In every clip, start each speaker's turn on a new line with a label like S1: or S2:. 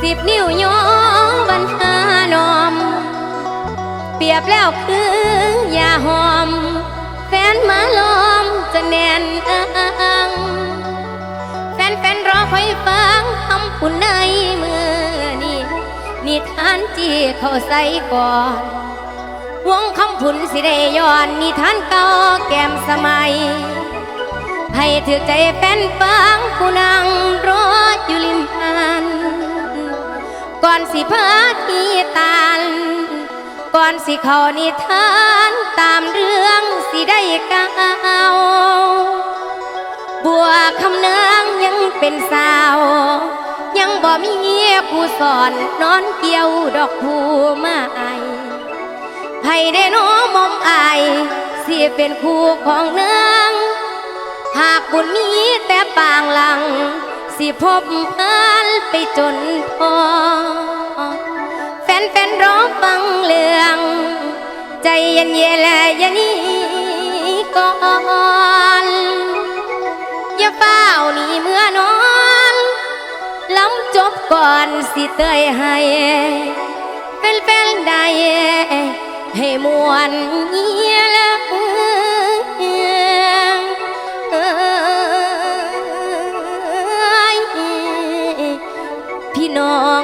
S1: 10 นิ้วย้อวันหานอมเปรียบแล้วคือยาหอมแฟนมาล้อมจะแน่นอังแฟนรอคอยฟังคำปุ่นในมือนี่นิทานจีเขาใส่ก่อนวงคำพุ่นสิได้ย้อนนิทานเก่าแก้มสมัยให้ถือใจแฟนฟังผู้นั่งรออยู่ริมหาดก่อนสิพาที่ตาลก่อนสิเข้านิทานตามเรื่องสิได้ก้าวบัวคำนางยังเป็นสาวยังบ่มีผู้สอนนอนเกี่ยวดอกผู้ไม้ให้ได้น้อมอมอายสิเป็นคู่ของนางหากบุญมีแต่ปางหลังสิพบพันไปจนพอแฟนร้องฟังเรื่องใจเย็นและอย่านี้ก่อนอย่าเฝ้านี่เมื่อนอนล้ำจบก่อนสิเตยให้แฟนๆได้ให้มวนเงียแล้วพี่น้อง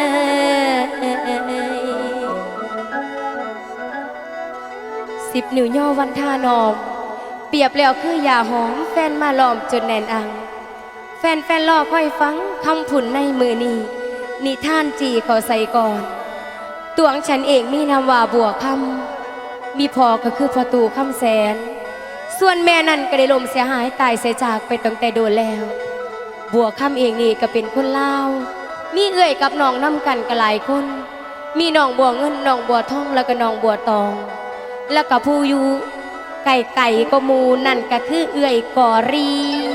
S1: 10 นิ้วย่อวันท่านอมเปรียบแล้วคือยาหอมแฟนมาล้อมจนแน่นอังแฟนรอคอยฟังคำผุนในมือนี้นิทานจีเขาใส่ก่อนตัวของฉันเองมีนามว่าบัวคำมีพ่อก็คือพ่อตู่คำแสนส่วนแม่นั่นก็ได้ลมเสียหายตายเสียจากไปตั้งแต่โดนแล้วบัวคำเองนี่ก็เป็นคนลาวมีเอื้อยกับน้องน้ำกันก็หลายคนมีน้องบัวเงินน้องบัวทองแล้วก็น้องบัวตองแล้วก็ผู้อยู่ไก่ก็มูนั่นก็คือเอื้อยกอรี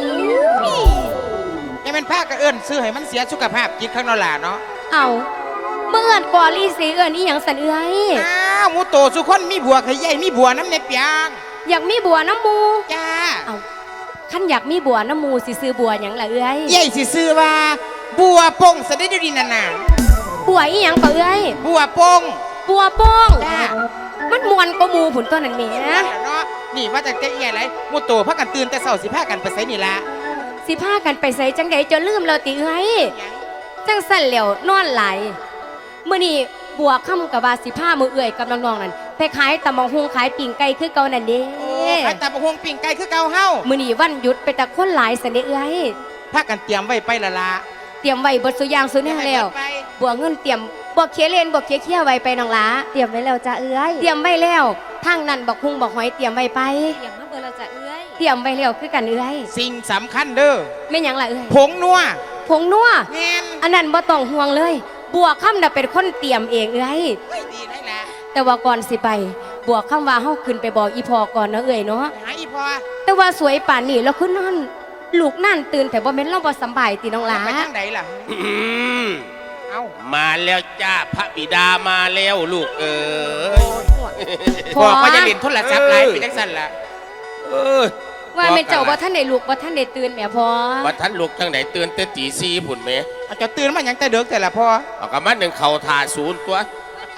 S2: ยังเป็นผ้ากระเอื้อนซื้อให้มันเสียสุขภาพจิตข้างนอกหล่ะเนาะ
S1: เอาเมื่อเอื้อนกอรีสีเอื้อนนี่อย่างสันเอื้อย
S2: อ้าวมูโตสุคนมีบัวขยายมีบัวน้ำในเปียง
S1: อยากมีบัวน้ำมู
S2: จ้า
S1: เอาขั้นอยากมีบัวน้ำมูสิซื้อบัวอย่างละเอื้อย
S2: ใหญ่สิซื้อว่าบัวปงสะได้ดูดีนานา
S1: บัวอีหยังก็เอื้อย
S2: บัวปง
S1: จ้ามันมวนก็มูผุนต้นนั่นเมีย
S2: เนาะนี่ว่าจะเจ๊ใหญ่ไรมูโตพักกันตื่นแต่เสาสิผ้ากันไปใส่นี่ละ
S1: สิผ้ากันไปใส่จังใดจะลืมเราติเอ้ยจังสั่นเหลวนอนไหลเมื่อนี่บัวค่ำกับว่าสิผ้ามือเอื่อยกับน้องๆนั่นไปขายตำบักหุ่งขายปิ่งไก่คือเก่านั่นเด้
S2: ขายตำบักหุ่งปิ่งไก่คือเก่าเฮา
S1: มื่อนี่วันหยุดไปแต่คนหลายสันเอ้ย
S2: ผ้ากันเตรียมไว้ไปละ
S1: เตรียมไว้บดสุยางสุนี่แล้วบัวเงินเตรียมบัวเคียเลนบัวเคียไว้ไปน้องหลา
S3: เตรียมไว้แล้วจ้าเอ้ย
S1: เตรียมไว้แล้วทางนั้นบักหุ่งบักหอยเตรียมไว้ไป
S3: เตรียมมาเบอร์เราจ้าเอ้ย
S1: เตรียมไว้แล้วคือกันเอ้ย
S2: สิ่งสำคัญเด้อ
S1: ไม่ยังละเอ้ย
S2: ผงนัว
S1: อันนั้นบ่ต้องห่วงเลยบัวค่ำน่ะเป็นคนเตรียมเองเอ้ย
S2: ดีได้แหละ
S1: แต่ว่าก่อนสิไปบัวค่ำว่าเฮาขึ้นไปบอกอีพอก่อนนะเอ้ยเนาะ
S2: หาอีพอ
S1: แต่ว่าสวยป่านนี้แล้วคือนอนลูกนั่นตื่นแต่บ่แม่นเราบ่สบายติน้องหลา
S2: ไปทางไหนล่ะ
S4: เอามาแล้วจ้าพระบิดามาแล้วลูก
S2: พ่อก็จะเล่นโทรศัพท์ไลฟ์ไปจังสั่นล่ะ
S1: ว่าเป็นเจ้าว่าท่านได้ลูกว่าท่านได้ตื่นแม่พ่อ
S4: ว่าท่านลูกจังไหนตื่นแต่ตี4พุ่นแม่
S2: อาจจะตื่นมาอย่างแต่เด็กแต่ละพ่อ
S4: เอากระมัดหนึ่งเข่าทาศูนย์ตัว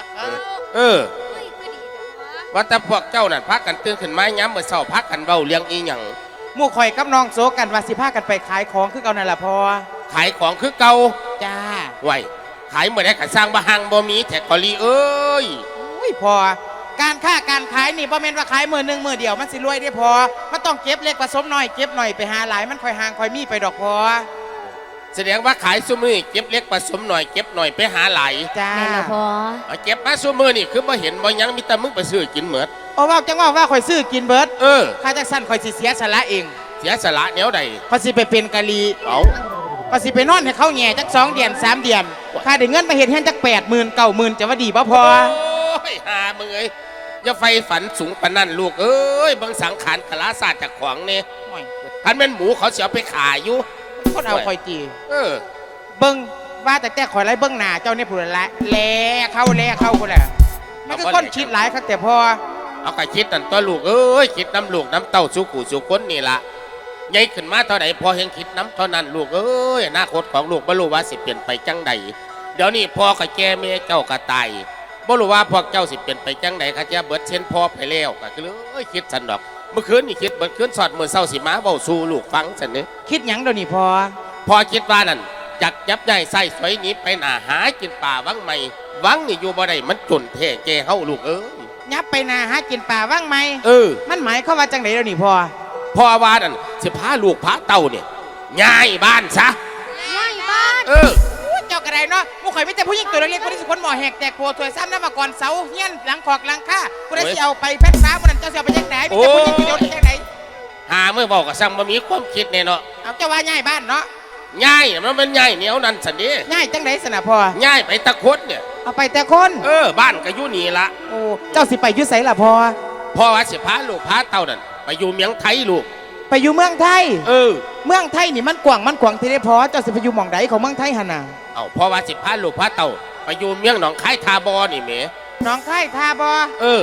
S4: ว่าแต่พวกเจ้านั่นพักกันตื่นขึ้นมาย้ำเมื่อเช้าพักกันเบาเลี้ยงอีหยัง
S2: มู่ข่อยกับน้องโซกันว่าสิพากันไปขายของคือเก่านั่นแหละพ่อ
S4: ขายของคือเก่า
S2: จ้า
S4: ไหวขายเมื่อได้ขายสร้างบะฮังบ่มีแท็กคอรีเอ้ย
S2: พ่อการค้าการขายนี่บ่แม่นว่าขายมือหนึ่งมือเดียวมันสิรวยได้พอมันต้องเก็บเล็กผสมหน่อยเก็บหน่อยไปหาหลายมันค่อยห่างค่อยมีไปดอกพอ
S4: แสดงว่าขายซุมือเก็บเล็กผสมหน่อยเก็บหน่อยไปหาหลาย
S2: จ้า
S1: แม่ละพอ
S4: เก็บมาซุมือนี่คือบ่เห็นบ่ยังมีแต่มึงไปซื้อกินเหมือด
S2: ว่าจังว่าข่อยซื้อกินเบิร์ดข้าจักสั้นข่อยสิเสียสละเอง
S4: เสียสละแนวใด
S2: ข่อยสิไปเป็นกะลีข่อยสิไปนอนให้เขาแง่จัก2 เดือน3 เดือนข้าได้เงินมาเห็นแค่จัก80,000 90,000จะว่าดีบ่พอ
S4: หามึงอย่าไฟฝันสูงปานนั่นลูกเอ้ยเบิ่งสังขารคลาศาสตร์จากขวางนี่คันเป็นหมูเขาเสียไปขายอยู่
S2: คนเอาข่อยจี
S4: เ
S2: บิ่งว่าแต่ข่อยไรเบิ่งหน้าเจ้าเนี่ยผู้ละแล่เข้าคนแหละมันก็คนคิดหลายครับแต่พอ
S4: เอาไปคิดนั่นตัวลูกเอ้ยคิดน้ำลูกน้ำเต้าสุกูสุคนนี่ละใหญ่ขึ้นมาเท่าไหร่พอเห็นคิดน้ำเท่านั้นลูกเอ้ยอนาคตของลูกบรรลุว่าสิเปลี่ยนไปจังใดเดี๋ยวนี้พ่อกับแกแม่เจ้าก็ตายบ่รู้ว่าพวกเจ้าสิเป็นไปจังไหนข้าเจ้าเบิดเช่นพ่อไปแล้วก็เลยคิดสันดอกเมื่อคืนนี่คิดเบิดคืนสอดมือเศร้าสิมาเบาสู่ลูกฟังสันนี้
S2: คิดหยังเดี๋ยวนี้พอ
S4: พ่อคิดว่านั่นจักยับใหญ่ใส่สวยหนี้ไปหนาหากินป่าวังใหม่วังนี่อยู่บ่ได้มันจนแท้แกเฮาลูกเอ้ย
S2: ยับไปนาหากินป่าว่างไหม มันหมายเข้ามว่าจังไหนเดี๋ยวนี้พอ
S4: พ่อว่านั่นสิพาลูกพาเต่าเนี่ยย้ายบ้านซะ
S1: ง่ายบ้าน
S2: เจ้ากระไดเนาะผู้ข่อยไม่แต่ผู้หญิงตัวเล็กๆคนที่สุคนหมอแหกแตกโผล่ถวยซ้ำน้ำมาก่อนเสาเฮี้ยนหลังขอกหลังข้าผู้ใดสิเอาไปแพทย์ฟ้าผู้นั้นเจ้าสิเอาไปจังไหนมีแต่ผู้หญิงตัวเดียวที่จังไหน
S4: หาเมื่อบอกกับซังบ่มีความคิดแน่เนาะ
S2: เอาเจ้าว่าง่ายบ้านเนาะ
S4: ย้ายมันเป็นย้ายเหนียวนั่นสันนี้
S2: ง่ายจังไหนสนะพอ
S4: ย้ายไปตะคดเนี่ย
S2: เอาไปแต่คน
S4: บ้านก็อยู่นี่ละ
S2: โอ้เจ้าสิไปอยุ่ไสล่ะพอ
S4: พ่อว่าสิพาลูกพาเต่านั่นไปอยู่เมียงไทยลูก
S2: ไปอยู่เมืองไทย
S4: เอ
S2: เมืองไทยนี่มันกว้างมันขวางที่ได้พอเจ้าสิไปอยู่หม่องใดของเมืองไทยหั่นน่ะ
S4: เอาพ่อว่าสิพาลูกพาเต่าไปอยู่เมียงหนองคายทาบอนี่แหม
S2: น้องไข่ทาบ่
S4: เออ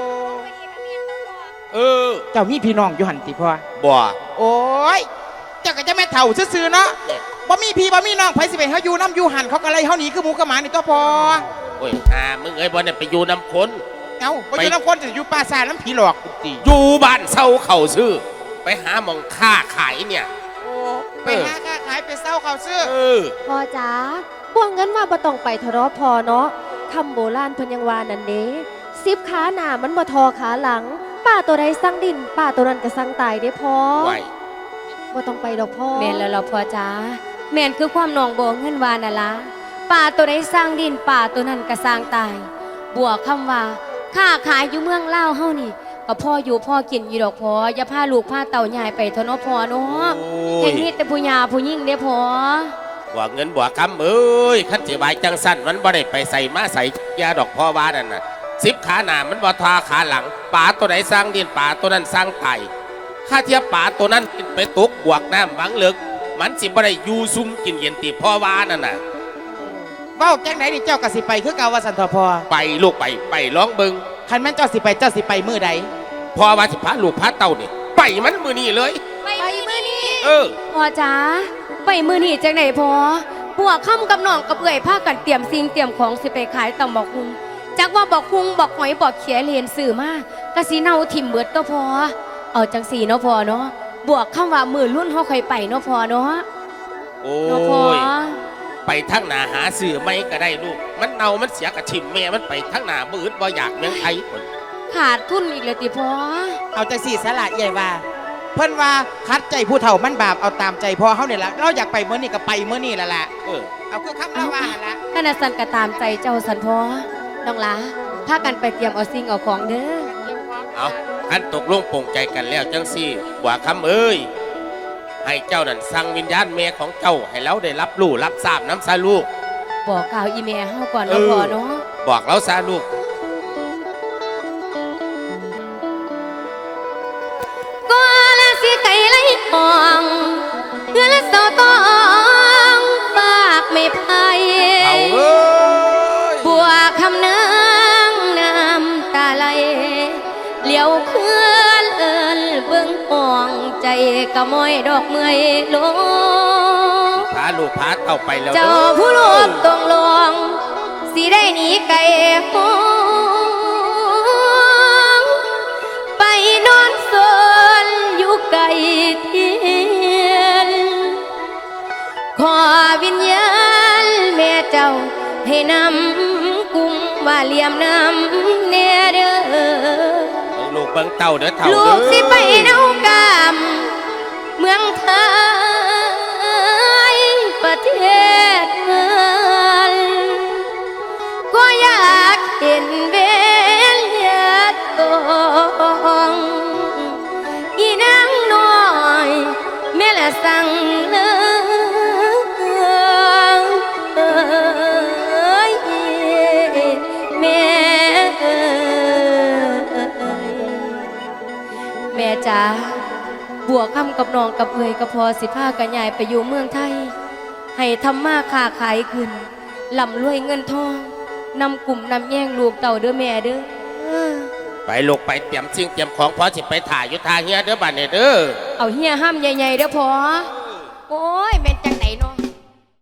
S4: เออ
S2: เจ้ามีพี่น้องอยู่หันติพ่อ
S4: บ่
S2: โอ้ยเจ้าก็จะแม่เฒ่าซื่อๆเนาะบ่มีพี่บ่มีน้องไผสิไปเฮาอยู่น้ำอยู่หันเขาก็ไล่เฮาหนีคือหมูกับหมานี่ตัวพอ
S4: โอ้ยมึงเอ้ยบ่ได้ไปอยู่น้ำคน
S2: เอ้าบ่อยู่น้ำคนจะอยู่ป่าซ่าน้ำผีหลอกติ
S4: อยู่บ้านเศร้าเข่าซื้อไปหาหมองค้าขายเนี่ย
S2: โอ้ไปหาค้าขายไปเศร้าเขาซื้อ
S3: พ่อจ๋าพวกเงินว่าบ่ต้องไปทะเลาะพอเนาะคำโบราณเพิ่นยังว่านั่นเด้10ขาหน้ามันบ่ทอขาหลังป้าตัวใดสั่งดินป้าตัวนั้นก็สั่งตายเด้พ่อ
S4: ไหว
S3: บ่ต้องไปดอกพ่อ
S1: แม่นแล้วเราพอจ้าแม่นคือความหนองโบเงินวาน่ะล่ะป่าตัวใดสร้างดินป่าตัวนั้นก็สร้างตายบวกคำว่าค้าขายอยู่เมืองลาวเฮานี่ก็พ่ออยู่พ่อกินอยู่ดอกพออย่าพาลูกพาเต่าใหญ่ไปเถอะเนาะพ่อเนาะ
S4: โอ้
S1: แห่
S4: ย
S1: งนี้แต่ผู้หญิงผู้หญิงเด้อพ่อ
S4: บ่เงินบ่คำเอ้ยคันสิบายจังสั้นมันบ่ได้ไปใส่มาใส่ยาดอกพ่อว่านั่นน่ะ10ขาหน้ามันบ่ทาขาหลังป่าตัวไหนสร้างดินป่าตัวนั้นสร้างไตข้าเทียบป่าตัวนั้นไปตกบวกน้ำบังเลิกมันสิบ่ได้อยู่ซุ่มกินเย็นตีพ่อว่านั่นน่ะ
S2: เว้าจังไหนนี่เจ้าก็สิไปคือเก่าว่าสันทอพอ
S4: ไปลูกไปร้องเบิง
S2: คันแม่นเจ้าสิไปมื้อใด
S4: พ่อว่าสิพาลูกพาเต่านี่ไปมันมือนี่เลย
S1: ไปมื้อนี้พ่อจ้าไปมื้อนี้จังได๋พ่อบวกค่ำกับน้องกับเอื้อยพากันเตรียมสิ่งเตรียมของสิไปขายตำบักหุ่งจักว่าบักหุ่งบักหอยบักเขียเรียนสื่อมากกะสิเน่าถิ่มเบิดตัวพอเอาจังสี่เนาะพ่อเนาะบวกคำว่ามือรุ่นเฮาค่อยไปเนาะพ่อเนาะ
S4: โอ้
S1: เนาะพ่อย
S4: ไปทั้งหนาหาสื่อไม่ก็ได้ลูกมันเน่ามันเสียกระชิมแม่มันไปทั้งหนาบืดบ่อยากเมืองไทยคน
S1: ขาดทุนอีกเลยติพ่อ
S2: เอาจังสี่สละใหญ่ว่า เพิ่นว่าคัดใจผู้เฒ่ามันบาปเอาตามใจพอเฮานี่ล่ะเราอยากไปมื้อนี้ก็ไปมื้อนี้ล่ะ
S4: เออ
S2: เอาคือคำละว่าหั่นล่ะ
S1: ขณะสันก็ตามใจเจ้าสันพ่อน้องหลาพากันไปเตรียมเอาสิ่งเอาของเด้อ
S4: เอาขั้นตกลงปลงใจกันแล้วจังสี่บัวคำเอ้ยให้เจ้านั่นสั่งวิญญาณแม่ของเจ้าให้เราได้รับรู้รับทราบน้ำซาลูก
S1: บอกกล่าวอีแม่เฮาก่อนเนาะพ่อเนาะ
S4: บอกเราซาลูก
S1: ก็ละสิไก่ไหลหองเพื่อละเสาตองฝากไม่ไพ่
S4: เอาเอ้ย
S1: บัวคำนางน้ำตาไหลเหลียวเคลื่อนเอินเบื้องห่องใจกะมอยดอกเมยลง
S4: พาลูกพาเต่าไปแล้ว
S1: เจ้า
S4: ด้อ
S1: ผู้ลูกต้องลวงสิได้หนีไก่หงไปนอนสนอยู่ไก่เทียนขอวิญญาณแม่เจ้าให้นำกุมว่าเหลี่ยมนำเนเด้อ
S4: ลูกเบิ่งเต่าเด้อเต่า
S1: ลู
S4: เด้
S1: กสิไปเน่ากามเมืองไทยประเทศเมืองก็อยากเห็นเวลยาตองอีนางน้อยแม่ละสั่งเลยแม่แม่จ๋าบัวคำกับน้องกับเอยกับพอสิพากันใหญ่ไปอยู่เมืองไทย ให้ทำมาค้าขายขึ้นลำรวยเงินทองนำกลุ่มนำแย่งลูกเต่าเด้อแม่เด้อ
S4: ไปลูกไปเตรียมสิ่งเตรียมของพอสิไปถ่ายอยู่ทางเฮียเด้อบ้านเนี่ยเด้อ
S1: เอาเฮียห้ามใหญ่ๆเด้อพอโอ้ยแม่